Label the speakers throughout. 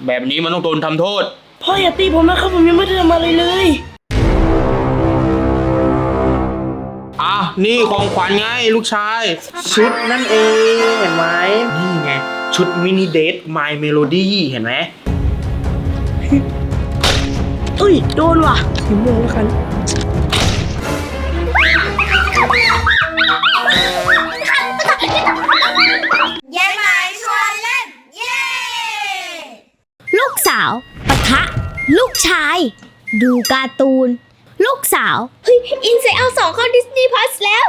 Speaker 1: แบบนี้มันต้องโดนทำโทษ
Speaker 2: พ่ออย่าตีผมนะครับผมยังไม่ได้ทำอะไรเลย
Speaker 1: นี่ของขวัญไงลูกชายชุดนั่นเองเห็นไหมนี่ไงชุดมินิเดท My Melody เห็นไหม
Speaker 2: โดนว่ะสีม่วงแล้วกัน
Speaker 3: ยายหมายชวนเล่นเย้
Speaker 4: ลูกสาวปะทะลูกชายดูการ์ตูนลูกสาวเฮ้ยอินไซด์เอา2เข้า Disney Plus แล้ว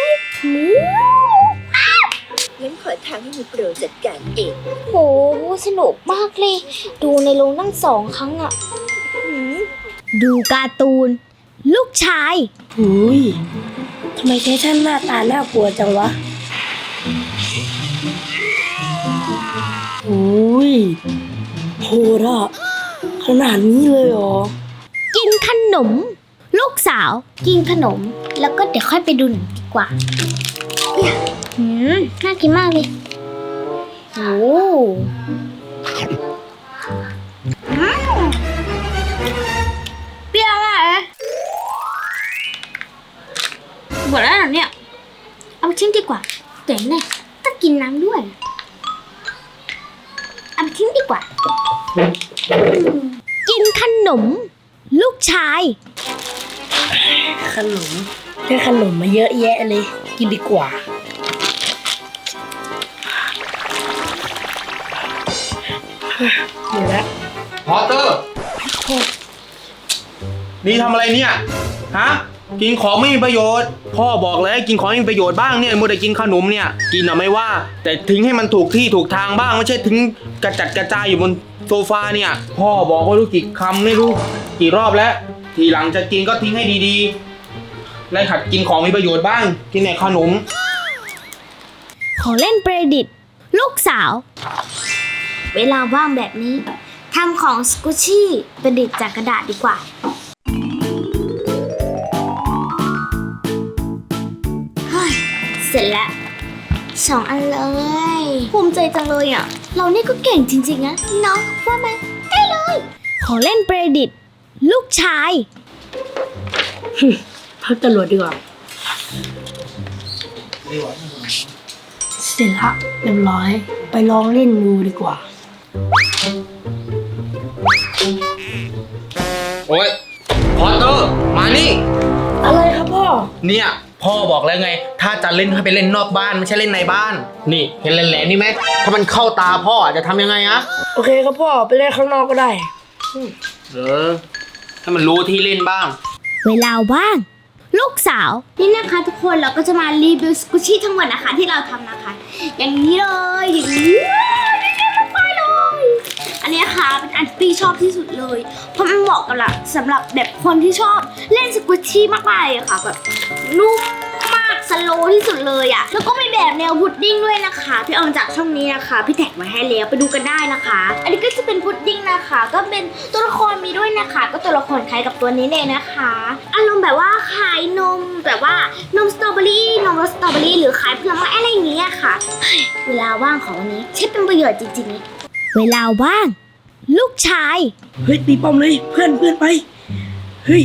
Speaker 3: งั้นขอทางให้มีโปรจัดการเอง
Speaker 4: โหสนุกมากเลยดูในโรงตั้ง2 ครั้งอะดูการ์ตูนลูกชาย
Speaker 2: ทำไมไททันหน้าตาน่ากลัวจังวะโหดอ่ะขนาดนี้เลยเหรอ
Speaker 4: กินขนมลูกสาวกินขนมแล้วก็เดี๋ยวค่อยไปดูหนังดีกว่าน่ากินมากเลยโอ้เปรี้ยวมากเลยหมดแล้วเหรอเนี่ยเอาไปทิ้งดีกว่าแต่เนี่ยต้องกินน้ำด้วยเอาไปทิ้งดีกว่ากินขนมลูกชาย
Speaker 2: ขนมได้ขนมมาเยอะแยะเลยกินดีกว่าหมดแล้ว
Speaker 1: พอเตอร์นี่ทำอะไรเนี่ยฮะกินของไม่มีประโยชน์พ่อบอกเลยกินของไม่มีประโยชน์บ้างเนี่ยมัวแต่กินขนมเนี่ยกินไม่ว่าแต่ทิ้งให้มันถูกที่ถูกทางบ้างไม่ใช่ทิ้งกระจัดกระจายอยู่บนโซฟาเนี่ยพ่อบอกว่ารู้กี่คำไม่รู้กี่รอบแล้วทีหลังจะกินก็ทิ้งให้ดีๆและหัดกินของมีประโยชน์บ้างกินแต่ขนม
Speaker 4: ของเล่นประดิษฐ์ลูกสาวเวลาว่างแบบนี้ทำของสกูชี่ประดิษฐ์จากกระดาษดีกว่าเฮ้ยเสร็จแล้ว2 อันเลยภูมิใจจังเลยอ่ะเรานี่ก็เก่งจริงๆนะน้องว่าไหมได้เลยของเล่นประดิษฐ์ลูกชาย
Speaker 2: พักตำรวจดีกว่าเสร็จละเรียบร้อยไปลองเล่นดูดีกว่า
Speaker 1: โอ๊ยพอเตอร์มานี่
Speaker 2: อะไรครับพ่อ
Speaker 1: เนี่ยพ่อบอกแล้วไงถ้าจะเล่นให้ไปเล่นนอกบ้านไม่ใช่เล่นในบ้านนี่เห็นแหลมๆนี่ไหมถ้ามันเข้าตาพ่อจะทำยังไงอะ
Speaker 2: โอเคครับพ่อไปเล่นข้างนอกก็ได้
Speaker 1: ถ้ามันรู้ที่เล่นบ้าง
Speaker 4: เวลาว่างลูกสาวนี่นะคะทุกคนเราก็จะมารีวิวสกูชี่ทั้งหมดนะคะที่เราทำนะคะอย่างนี้เลยอย่างนี้ไปเลยอันนี้ค่ะเป็นอันที่ชอบที่สุดเลยเพราะมันเหมาะกับสำหรับแบบคนที่ชอบเล่นสกูชี่มากๆเลยค่ะแบบนุ่มมากสโลว์ที่สุดเลยอ่ะแล้วก็มีแบบแนวพุดดิ้งด้วยนะคะพี่เอามาจากช่องนี้นะคะพี่แท็กไว้ให้แล้วไปดูกันได้นะคะอันนี้ก็จะเป็นพุดดิ้งนะคะก็เป็นตัวละครมีด้วยนะคะก็ตัวละครคล้ายกับตัวนี้เลยนะคะอารมณ์แบบว่าคล้ายนมแบบว่านมสตรอเบอรี่นมรสสตรอเบอรี่หรือคล้ายผลไม้อะไรอย่างเงี้ยค่ะเวลาว่างของวันนี้ใช้เป็นประโยชน์จริงๆเวลาว่างลูกชาย
Speaker 2: เฮ้ยตีป้อมเลยเพื่อนไปเฮ้ย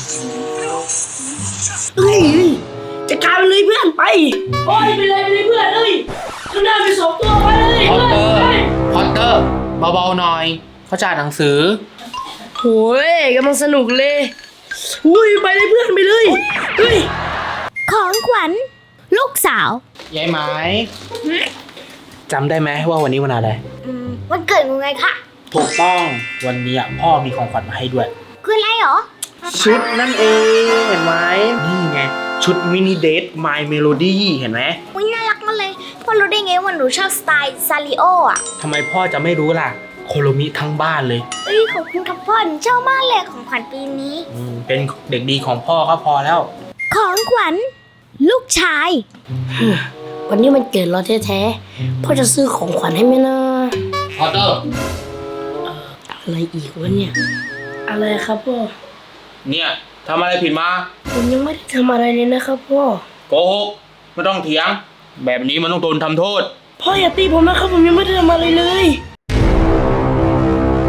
Speaker 2: จะกลายเป็นเลยเพื่อนไปโอ้ยไปเลยเพื่อนเลยข้างหน้ามี2 ตัวไปเลย
Speaker 1: พอตเตอร์เบาๆหน่อยเขาจ่ายหนังสือ
Speaker 2: โหยกำลังสนุกเลยอุ้ยไปเลยเพื่อนไปเลยเฮ้ย
Speaker 4: ของขวัญลูกสาวย
Speaker 1: ายไหมจำได้ไหมว่าวันนี้วันอะไร
Speaker 4: วันเกิดมึงไงคะ
Speaker 1: ถูกต้องวันนี้พ่อมีของขวัญมาให้ด้วย
Speaker 4: คืออะไรหรอ
Speaker 1: ชุดนั่นเองเห็นไหมนี่ไงชุดมินิเดท My Melody เห็นไหม
Speaker 4: อุ๊ยน่ารักมากเลยพ่อรู้ได้ไงว่าหนูชอบสไตล์ซาริโออ่ะ
Speaker 1: ทำไมพ่อจะไม่รู้ล่ะโคโรมิทั้งบ้านเลย
Speaker 4: ขอบคุณครับพ่อหนูชอบมากเลยของขวัญปีนี้
Speaker 1: เป็นเด็กดีของพ่อก็พอแล้ว
Speaker 4: ของขวัญลูกชาย
Speaker 2: วันนี้มันเกิดเราแท้ๆพ่อจะซื้อของขวัญให้ไหมนะ
Speaker 1: พอเตอร์
Speaker 2: อะไรอีกวะเนี่ยอะไรครับพ่อ
Speaker 1: เนี่ยทำอะไรผิดมา
Speaker 2: ผมยังไม่ได้ทำอะไรเลยนะครับพ่อ
Speaker 1: โกหกไม่ต้องเถียงแบบนี้มันต้องโดนทำโทษ
Speaker 2: พ่ออย่าตีผมนะครับผมยังไม่ได้ทำอะไรเลย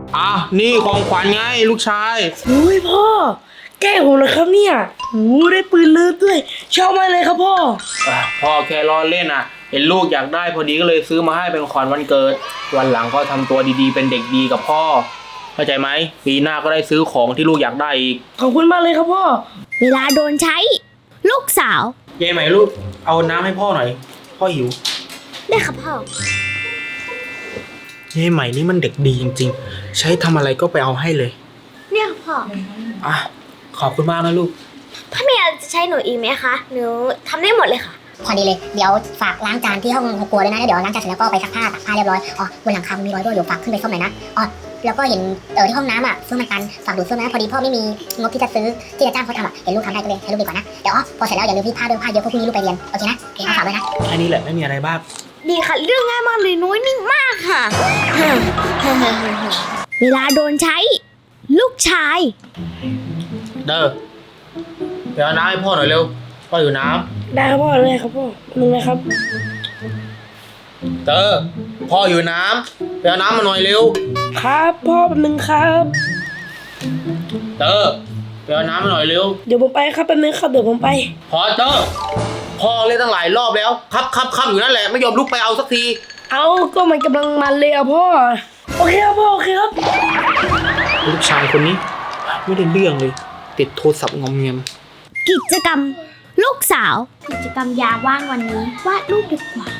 Speaker 1: อ่ะนี่ของขวัญไงลูกชาย
Speaker 2: อุ้ยพ่อ แกล้งผมนะครับเนี่ยโอ้ได้ปืนเลิฟด้วย ชอบมากเลยครับพ่อ
Speaker 1: พ่อแค่ล้อเล่นอ่ะ เห็นลูกอยากได้พอดีก็เลยซื้อมาให้เป็นของขวัญวันเกิด วันหลังก็ทำตัวดีๆเป็นเด็กดีกับพ่อ เข้าใจไหมปีหน้าก็ได้ซื้อของที่ลูกอยากได้อีก
Speaker 2: ขอบคุณมากเลยครับพ่อ
Speaker 4: เวลาโดนใช้ ลูกสาว
Speaker 1: เย้ไหมลูกเอาน้ำให้พ่อหน่อย พ่อหิว
Speaker 4: ได้ค่ะพ่อ
Speaker 1: เย้ไหมนี่มันเด็กดีจริงๆ ใช้ทำอะไรก็ไปเอาให้เลย
Speaker 4: เนี่ยค่ะพ่อ
Speaker 1: อ่ะขอบคุณมากนะลูก
Speaker 4: ถ้ามีอะไรจะใช้หนูอีกไหมคะหนูทำได้หมดเลยค่ะ
Speaker 5: พอดีเลย เดี๋ยวฝากล้างจานที่ห้องครัวด้วยนะแล้วเดี๋ยวล้างจานเสร็จแล้วก็ไปซักผ้าตากผ้าเรียบร้อยอ๋อบนหลังคามีรอยรั่วอยู่ฝากขึ้นไปซ่อมหน่อยนะอ๋อแล้วก็เห็นที่ห้องน้ำอ่ะเฟื่องมันตันฝากดูดเฟื่องนะพอดีพ่อไม่มีงบที่จะซื้อที่จะจ้างเขาทำอ่ะเห็นลูกทำได้ก็เลยให้ลูกดีกว่านะเดี๋ยวพอเสร็จแล้วอย่าลืมรีดผ้าด้วยผ้าเยอะเพราะพรุ่งนี้ลูกไปเรียนโอเคนะโอเคฝากด้วยนะ
Speaker 1: แค่นี้แหละไม่มีอะไรบ้าง
Speaker 4: ดีค่ะเรื่องง่ายมากเลยน้อยนิ่งมากค่ะ เวลาโดนใช้ ลูกชาย
Speaker 1: เด้อเดี๋ยวเอาน้ำให้พ่อหน่อยเร็ว พ่ออยู่น้
Speaker 2: ได้ครับพ่อเลยครับพ่อนึงนะครับ
Speaker 1: ำเด้อพ่ออยู่น้ำไปเอาน้ำมาหน่อยเร็ว
Speaker 2: ครับพ่อแป๊บนึงครับ
Speaker 1: เด้อไปเอาน้ำมาหน่อยเร็ว
Speaker 2: เดี๋ยวผมไปครับแป๊บนึงครับเดี๋ยวผมไป
Speaker 1: พอเด้อพ่อเล่นตั้งหลายรอบแล้วครับอยู่นั่นแหละไม่ยอมลุกไปเอาสักที
Speaker 2: เอาก็มันกำลังมันเลยอ่ะพ่อ โอเคครับพ่อโอเคครับ
Speaker 1: ลูกชายคนนี้ไม่ได้เรื่องเลย ติดโทรศัพท์งอมเงียม
Speaker 4: กิจกรรม ลูกสาว กิจกรรมยามว่างวันนี้วาดรูปดีกว่า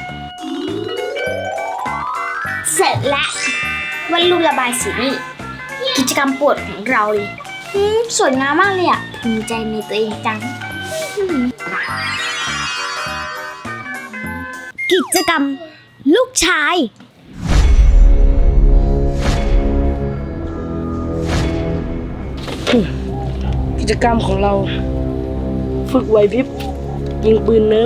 Speaker 4: เสร็จแล้ววาดรูประบายสีนี่กิจกรรมโปรดของเราเลยสวยงามมากเลยอ่ะภูมิใจในตัวเองจัง กิจกรรม ลูกชาย
Speaker 2: กิจกรรมของเรา ฝึกไหวพริบยิงปืนเนิร์ฟ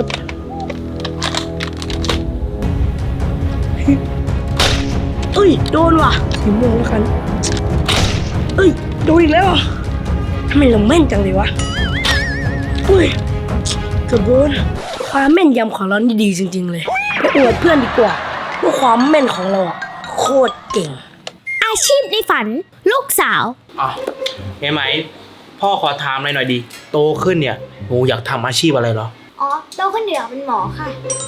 Speaker 2: เอ้ยโดนว่ะสีม่วงแล้วกันเอ้ยโดนอีกแล้วอ่ะทำไมเราแม่นจังเลยวะเฮ้ยเกือบโดนความแม่นยำของเรานี่ดีจริงๆเลยไปอวดเพื่อนดีกว่าว่าความแม่นของเราอ่ะโคตรเก่ง
Speaker 4: อาชีพในฝัน ลูกสาว
Speaker 1: อ่ะเห็นไหมพ่อขอถามหน่อยดิโตขึ้นเนี่ยหนูอยากทำอาชีพอะไรเหรอ
Speaker 4: อ๋อเราคนเดียวเป็นหมอค่ะ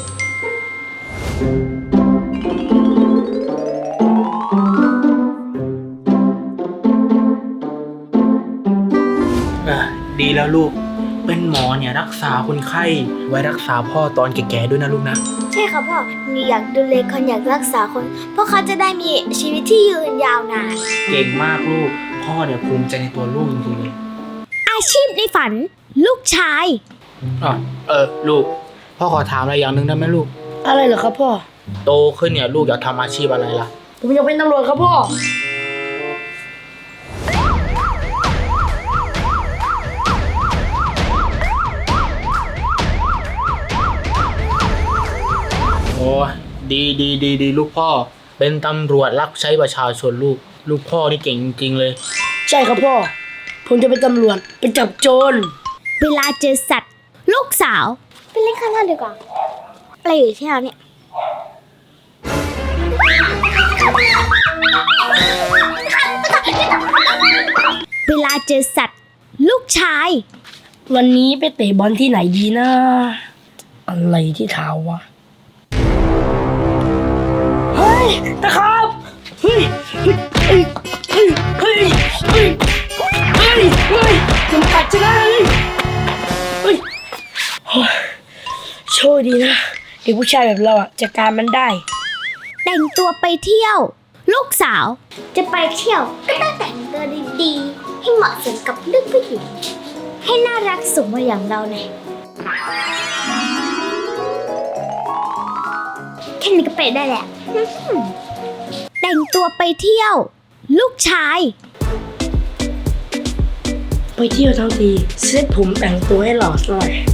Speaker 1: ดีแล้วลูก เป็นหมอเนี่ยรักษาคนไข้ไว้รักษาพ่อตอนแก่ๆด้วยนะลูกนะ
Speaker 4: ใช่ค่ะพ่อหนูอยากดูแลคนอยากรักษาคน เพราะเขาจะได้มีชีวิตที่ยืนยาวนาน
Speaker 1: เก่งมากลูก พ่อเนี่ยภูมิใจในตัวลูกจริงๆเลย
Speaker 4: อาชีพในฝัน ลูกชาย
Speaker 1: ลูก พ่อขอถามอะไรอย่างหนึ่งได้ไหมลูก
Speaker 2: อะไรเหรอครับพ่อ
Speaker 1: โตขึ้นเนี่ยลูกอยากทำอาชีพอะไรล่ะ
Speaker 2: ผมอยากเป็นตำรวจครับพ่อ
Speaker 1: โอ้ดีลูกพ่อ เป็นตำรวจรับใช้ประชาชนลูกพ่อนี่เก่งจริงๆเลย
Speaker 2: ใช่ครับพ่อ ผมจะเป็นตำรวจไปจับโจร
Speaker 4: เวลาเจอสัตว์ ลูกสาว ไปเล่นข้างนอกดีกว่า อะไรอยู่ที่เราเนี่ย เวลาเจอสัตว์ ลูกชาย
Speaker 2: วันนี้ไปเตะบอลที่ไหนดีนะ อะไรที่เท้าวะ เฮ้ยตะครับเฮ้ยผมกัดจะได้เฮ้ยโชคดีนะเด็กผู้ชายแบบเราอ่ะจัดการมันได้
Speaker 4: แต่งตัวไปเที่ยว ลูกสาว จะไปเที่ยวก็ต้องแต่งตัวดีๆ ให้เหมาะสมกับลูกผู้หญิง ให้น่ารักสมวัยอย่างเราหน่อยแค่นี้ก็ไปได้แหละ แต่งตัวไปเที่ยว ลูกชาย
Speaker 2: ไปเที่ยวทั้งทีเซ็ตผมแต่งตัวให้หล่อหน่อย